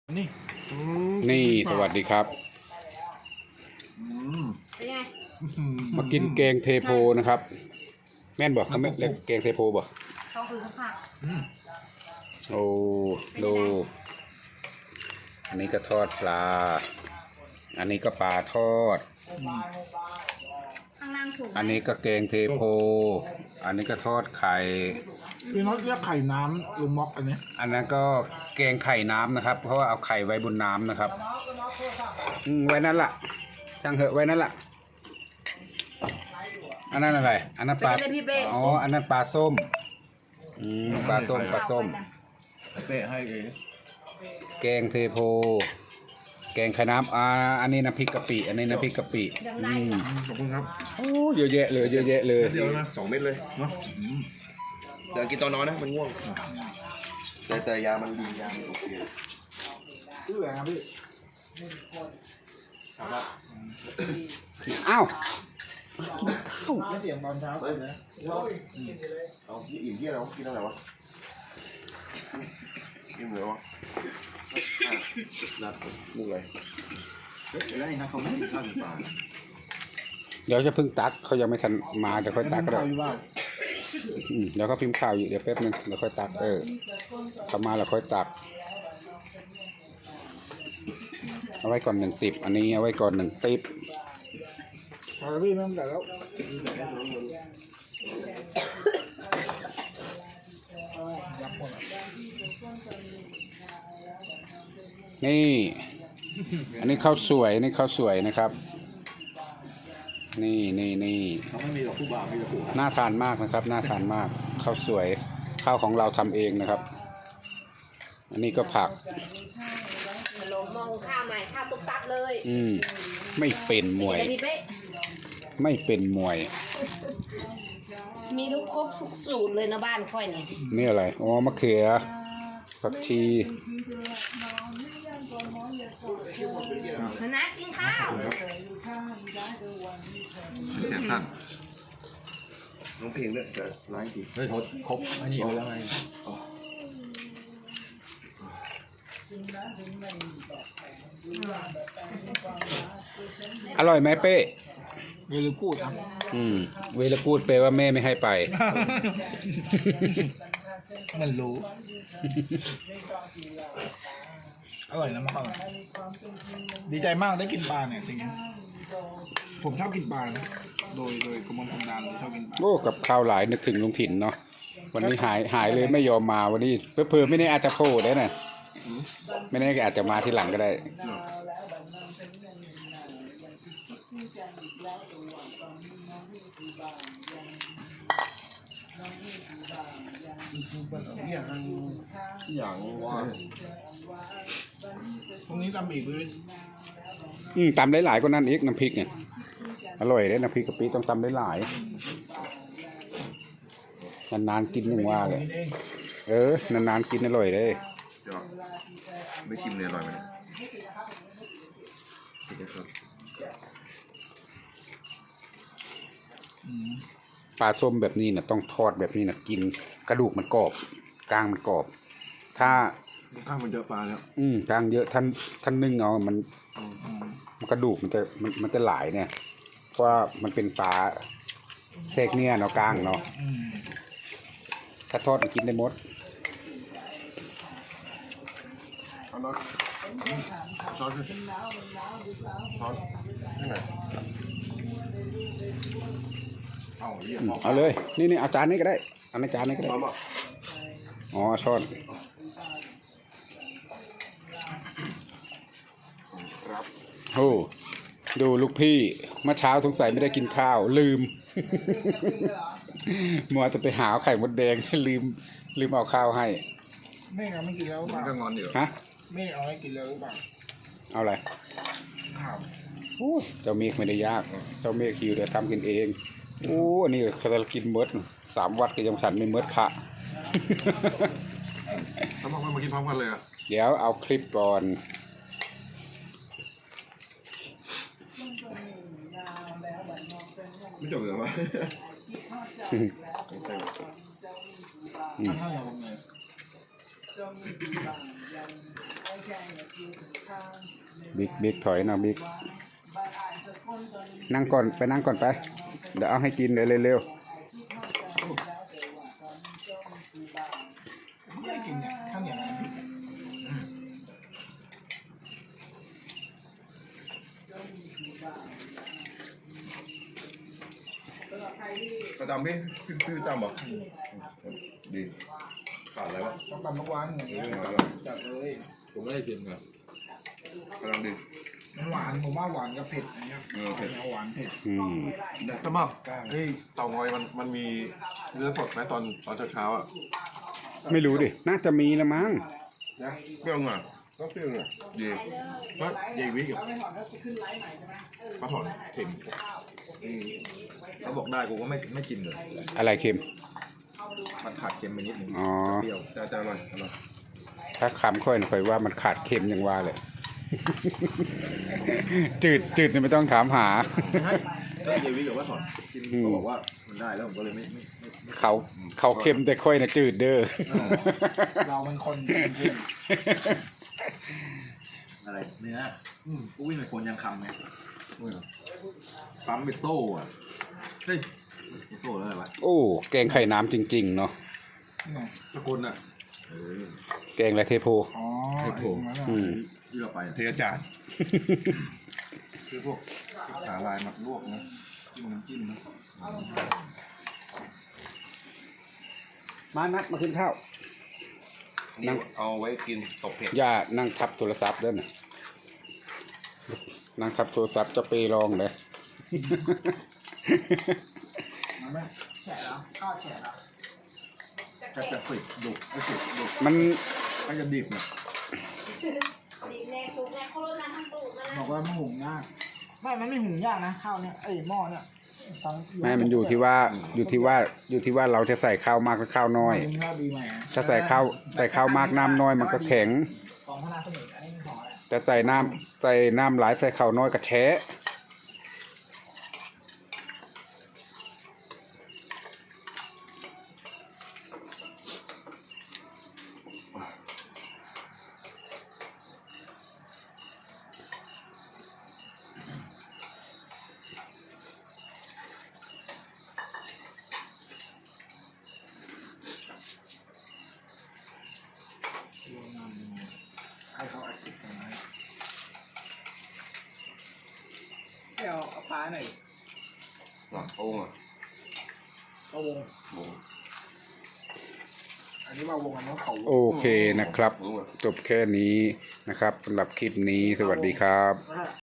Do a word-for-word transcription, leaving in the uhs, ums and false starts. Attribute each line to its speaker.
Speaker 1: นี่
Speaker 2: นี่สวัสดีครับ
Speaker 3: เป็นไง
Speaker 2: มากินแกงเทโพนะครับ แม่นบอกเขาไม่เรียกแกงเทโพบอก
Speaker 3: เขาคือข้าวผัก
Speaker 2: โอ้ดูอันนี้ก็ทอดปลา อันนี้ก็ปลาทอด
Speaker 3: ข้างล่างถูก
Speaker 2: อันนี้ก็แกงเทโพ อันนี้ก็ทอดไข่
Speaker 1: พี่น็อตเรียกไข่น้ำลุงม็อกอันนี้
Speaker 2: อันนั้นก็แกงไข่น้ำนะครับ เพราะว่าเอาไข่ไว้บนน้ำนะครับอืมไว้นั่นแหละจังเหอะไว้นั่นแหละอันนั้นอะไร อันนั้นปลา
Speaker 3: เป็นเลยพี่เป้
Speaker 2: อ๋อ อันนั้นปลาส้ม อืมปลาส้มปลาส้ม
Speaker 1: เป๊ะให้เอง
Speaker 2: แกงเทโพ แกงไข่น้ำอ่าอันนี้น้ำพริกกะปิ อันนี้น้ำพริกกะปิ
Speaker 3: ยังได้
Speaker 2: อืม
Speaker 3: ค่ะ
Speaker 1: ขอบคุณครับ
Speaker 2: โอ้เยอะแยะเลยเยอะแยะเลย
Speaker 4: เดียวนะสองเม็ดเลย
Speaker 1: เนาะ
Speaker 4: เดี๋ยวกินตอนนอนนะมันง่วงแต่แต่ยามันดียามันโอเค
Speaker 1: ชื่ออะไรครับพี่
Speaker 4: ครับว่า
Speaker 2: อ้าว
Speaker 1: ไม่เสียงตอนเช้า
Speaker 4: เฮ้ยเอาพี่อิ่มที่อะไรวะกินอะไรวะอิ่มเลยวะนัดมุกเลยเฮ้ยแล้วไอ้นัทเขาไม่กินข้าวกินปลา
Speaker 2: เดี๋ยวจะเพิ่งตักเขายังไม่ทันมาเดี๋ยวค่อยตักก็ได้
Speaker 1: ข้าวอยู่บ้าน
Speaker 2: อืมเดี๋ยวเขาพิมพ์ข่าวอยู่เดี๋ยวแป๊บนึงเดี๋ยวค่อยตักเออเขามาแล้วค่อยตัก เอาไว้ก่อนหนึ่งติบอันนี้เอาไว้ก่อนหนึ่งติบ
Speaker 1: พอแล้วพี่ไม่ต้องแต่แล้ว
Speaker 2: นี่ อันนี้ข้าวสวยนี่ข้าวสวยนะครับ นี่นี่นี่
Speaker 4: เขาไม่มีหรอกผู้บ่าวมีแต่ผู้
Speaker 2: น่าทานมากนะครับน่าทานมากข้าวสวยข้าวของเราทำเองนะครับ อันนี้ก็ผัก
Speaker 3: มาลงมองข้าวใหม่ข้าวตุ๊กตักเลย
Speaker 2: อืมไม่เป็นมวย
Speaker 3: เป็นไงพี่เป้
Speaker 2: ไม่เป็นมวย
Speaker 3: มีทุกครบทุกสูตรเลยนะบ้านค่อยเนี่ย
Speaker 2: นี่อะไรอ๋อมะเขือผักชี
Speaker 3: นะกินข้าว
Speaker 4: แขนสั้นน้องเพลงด้วยแต่ร้ายจริง
Speaker 1: เฮ้ยทดครบอันนี้เอาแล้วไง
Speaker 2: อร่อยไหมเป้
Speaker 1: เวลูกูดครับ
Speaker 2: อืมเวลาพูดเป้ว่าแม่ไม่ให้ไป
Speaker 1: มันรู้ อร่อยนะมากอร่อยดีใจมากได้กินปลาเนี่ยจริงๆผมชอบกินปลานะโดยโดยกระมวลธรรมดาเลยชอบกินปลา
Speaker 2: โอ้กับข้าวหลายนึกถึงลุงถิ่นเนาะวันนี้หายหายเลยไม่ยอมมาวันนี้เพื่อๆไม่ได้อาจจะโผล่ได้น่ะไม่แน่ก็อาจจะมาที่หลังก็ได้
Speaker 4: อย่างอย่างว่า
Speaker 1: พรุ่งนี้ตำอีกเลย
Speaker 2: อืมตำหลายๆก็นั่นอีกน้ำพริกเนี่ยอร่อยเลยน้ำพริกกะปิต้องตำหลายๆนานๆกินหนึ่งว่าเลย
Speaker 1: กินเอง
Speaker 2: เออนานๆกินอร่อยเลย
Speaker 4: เดี๋ยวไม่ชิมเลยอร่อยไหมเนี่ย
Speaker 1: อืม
Speaker 2: ปลาส้มแบบนี้นะต้องทอดแบบนี้นะกินกระดูกมันกรอบกลางมันกรอบ ถ้า
Speaker 4: ข้าวมันเยอะปลาแล้ว
Speaker 2: อืมกลางเยอะท่านท่านนึ่งเอามัน
Speaker 1: อืม
Speaker 2: มันกระดูกมันจะมันมันจะหลายเนี่ย เพราะว่ามันเป็นปลาเซกเนี่ยเนาะกลางเนาะ
Speaker 1: อืม
Speaker 2: ถ้าทอดมันกินได้หมด
Speaker 4: เอาละช้อนสิช้อนนี่ไงเอาเยี่ยม
Speaker 2: อืมเอาเลยนี่นี่เอาจานนี้ก็ได้เอาในจานนี้ก็ได้
Speaker 4: มาบ่
Speaker 2: อ๋อช้อน
Speaker 4: ครับ
Speaker 2: โอ้ดูลูกพี่เมื่อเช้าสงสัยไม่ได้กินข้าวลืม มัวจะไปหาไข่มดแดง ลืมลืมเอาข้าวให้
Speaker 1: แม่เอาไม่กินแล้วหรือเป
Speaker 4: มัน
Speaker 1: ล่า
Speaker 4: ก็งอนอยู่
Speaker 2: ฮะ
Speaker 1: แม่เอาไม่กินแล้วหรือเปล่า
Speaker 2: เอาอะไร
Speaker 1: ข้าว
Speaker 2: โอ้เจ้าเมฆไม่ได้ยาก เจ้าเมฆหิวเดี๋ยวทำกินเองโอ้อันนี้เขาจะกินเมดสามวัดก็ยังฉันไม่เมดพระ
Speaker 4: แล้วบอกว่ามากินพร้อมกันเลยอ่ะ
Speaker 2: เดี๋ยวเอาคลิปก่อน
Speaker 4: ไม่จบเลยวะ
Speaker 2: อืม
Speaker 1: ถ้าเราเนี่ย
Speaker 2: บิ๊กบิ๊กถอยนะบิ๊กนั่งก่อนไปนั่งก่อนไปเดี๋ยวเอาให้กินเดี๋ยวเร็ว
Speaker 1: ไม่ได้กินเนี่ยข้าวเหนียวน้ำพริกเนี่ยอืม
Speaker 4: ประจำพี่พี่พี่ประจำบอกดีขาดอะไรวะ
Speaker 1: ต้องตำทุกวันอย่างเงี้ยจัดเลย
Speaker 4: ผมไม่ได้กินครับกำลังดี
Speaker 1: มันหวานผมว่าหวานกับเผ็ดอย่างเงี้ย
Speaker 4: เออเผ็ด
Speaker 1: หวานเผ็ด
Speaker 2: ๆอืม
Speaker 5: สมับเฮ้ยเต่างอยมันมันมีเนื้อสดไหมตอนตอนเช้าๆอ่ะ
Speaker 2: ไม่รู้ดิน่าจะมีละมั้ง
Speaker 4: นะเปรี้ยวหน่อยก็เปรี้ยวหน่อยดีก็ดีวิกับปลาถอนเค็มอืมเขาบอกได้กูก็ไม่ไม่กินเลย
Speaker 2: อะไรเค็ม
Speaker 4: มันขาดเค็มไปนิดนึง
Speaker 2: อ๋อ
Speaker 4: เปรี้ยวแต่แต่อร่อยอร่อย
Speaker 2: ถ้าคำค่อยค่อยว่ามันขาดเค็มอย่างว่าเลย จืดจืดเนี่ยไม่ต้องถามหา
Speaker 4: ไม่ให้ก็เยวิกับว่าถอนกิน
Speaker 2: อืม
Speaker 4: เขาบอกว่ามันได้แล้วผมก็เลยไม่ไม่ไม่ไม่
Speaker 2: เขาเขาเค็มแต่ค่อยนะจืดเด้อ
Speaker 1: เราเป็นคนกิน
Speaker 4: อะไรเนื้ออืมกูวิ่งไปคนยังคำไงอุ้ยปั๊มเป็นโซ่อะเฮ้ยเป็นโซ่แล้วอะไรวะ
Speaker 2: โอ้แกงไข่น้ำจริง ๆ เนาะ
Speaker 1: นี่
Speaker 5: สกุลอ่ะ
Speaker 4: เออ
Speaker 2: แกงและเทโพ
Speaker 1: อ๋อ
Speaker 4: เทปโผ
Speaker 1: ไอ้ตรงนั้นน่ะ
Speaker 2: อืม
Speaker 4: ที่เราไปเทอาจารย์คือพวกขาลายหมักลวกนะจิ้มน้ำจิ้มนะ
Speaker 2: มานัดมากินข้าว นั่
Speaker 4: นั่
Speaker 2: ง
Speaker 4: งเอาไว้กินตกเผ็ด
Speaker 2: อย่านั่งทับโทรศัพท์เด้อนะนั่งทับโทรศัพท์จะไปลองเลย
Speaker 1: มันไม่แฉะแล้วข้าวแฉะแล้ว
Speaker 4: ก็จะฝึกดุก็ฝึกดุ
Speaker 2: มัน
Speaker 4: ก็จะดิบนะ
Speaker 3: ดีแน่ซุกแน่เขาลดน้ำทั้งตูดมา
Speaker 1: บ
Speaker 3: แล้
Speaker 1: อ
Speaker 3: ว
Speaker 1: กว่ามันหุงยากไม่มันไม่หุงยากนะข้าวเนี่ยไอ้หม้อเนี่ยต้อง
Speaker 2: ไม่มันอยู่ที่ว่าอยู่ที่ว่าอยู่ที่ว่าเราจะใส่ข้าวมากหรือข้าวน้อย
Speaker 1: ข้าวดีไหม
Speaker 2: ถ้าใส่ข้าวใส่ข้าวมากน้ำน้อยมันก็แข็ง
Speaker 1: ของพนาสมุทรอันนี้ของอะไร
Speaker 2: แต่ใส่น้ำใส่น้ำหลายใส่ข้าวน้อยก็แฉะ
Speaker 1: ให้เขาอัดติดกันไว้เดี๋ยวเอาปลาหน่อย
Speaker 4: หลังโอ่งอ่ะ
Speaker 1: เอาวง
Speaker 4: โอ่ง
Speaker 1: อันนี้มาวงอันนี้เขา
Speaker 2: โอเคนะครับ จบแค่นี้นะครับสำหรับคลิปนี้สวัสดีครับ
Speaker 1: อ่ะ